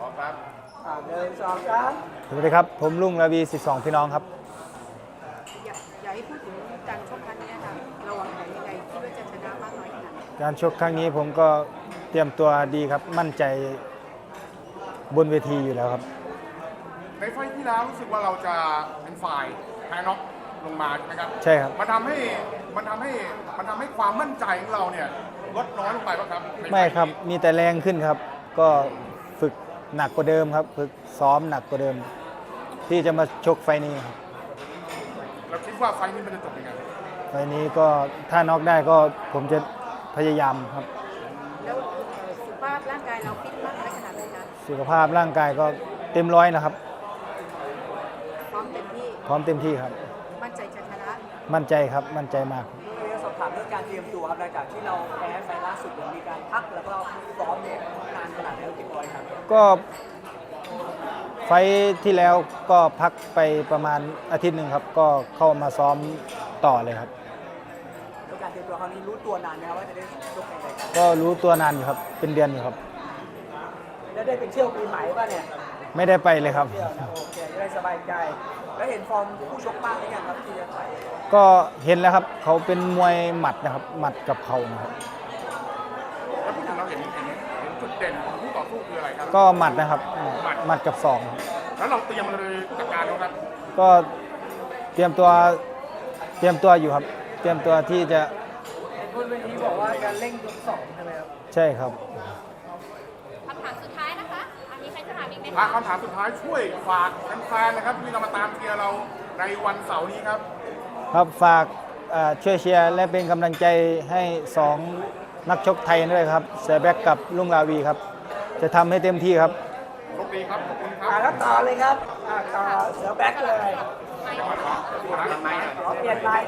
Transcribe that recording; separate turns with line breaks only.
พร้อมครับ
1 2 3
สวัสดีครับผมลุงระวี12พี่น้องครับ
อยากให้พูดถึงการชกครั้งนี้ค่ะเราวางแผนยังไงคิดว่าจะชนะมากน้อยขนาดไหน
การชกครั้งนี้ผมก็เตรียมตัวดีครับมั่นใจบนเวทีอยู่แล้วครับ
ในไฟล์ที่แล้วรู้สึกว่าเราจะเป็นฝ่ายแพ้น็อกลงมาใช่ไหมครับ
ใช่ครับ
มันทำให้ความมั่นใจของเราเนี่ยลดน้อยลงไปป่ะครับ
ไม่ครับมีแต่แรงขึ้นครับก็ฝึกหนักกว่าเดิมครับฝึกซ้อมหนักกว่าเดิม ที่จะมาชกไฟนี้ครับ
เราคิดว่าไฟล์นี้มันจะจบยังไง
ไฟนี้ก็ถ้าน็อกได้ก็ผมจะพยายามครับ
แล้วสุขภาพร่างกายเราฟิตมากน้อยขนาดไหนคะ
สุขภาพร่างกายก็เต็มร้อยนะครับ
พร้อมเต็มที่
พร้อมเต็มที่ครับ
มั่นใจจะชนะ
มั่นใจครับมั่นใจมาก
เรื่องสอบถามเรื่องการเตรียมตัวครับหลังจากที่เราแพ้ไฟล่าสุดมีการพักแล้วก็ซ้อมเนี่ยนานขนาดไหนกี่วันครับ
ก็ไฟที่แล้วก็พักไปประมาณอาทิตย์หนึ่งครับก็เข้ามาซ้อมต่อเลยครับ
แล้วการเตรียมตัวครั้งนี้รู้ตัวนานไหมครับว่าจะได้ชกในรายการ
ก็รู้ตัวนานอยู่ครับเป็นเดือนอยู่ครับ
แล้วได้ไปเที่ยวปีใหม่ป่ะเนี่ย
ไม่ได้ไปเลยครับ
โอเคจะได้สบายใจแล้วเห็นฟอร์มผู้ชกบ้างหรือยังครับที่จะไป
ก็เห็นแล้วครับเขาเป็นมวยหมัดนะครับหมัดกับเข่านะครับ
แล้วพูดถึงเราเห็นจุดเด่นของผู้ต่อสู้คืออะไรครับ
ก็หมัดนะครับหมัดกับศอก
แล้วเราเตรียมเลยจัดการแล้วครับ
ก็เตรียมตัวอยู่ครับเตรียมตัวที่จะ
บนเวทีบอกว่าการเร่งยก2ใช่ไหมครับ
ใช่ครับ
คำถามสุดท้ายนะคะมีใครจะถามอีกไหม
คะ
ค
ำถามสุดท้ายช่วยฝากแฟนๆนะครับที่เรามาตามเชียร์เราในวันเสาร์นี้ครับ
ครับฝากช่วยเชียร์และเป็นกำลังใจให้2นักชกไทยด้วยครับเสือแบ็กกับลุงลาวีครับจะทำให้เต็มที่ครับ
โชคดีครับขอบคุณครับ
แล้วต่อเลยครับต่อเสือแบ็กเลย
เปลี่ยนไม้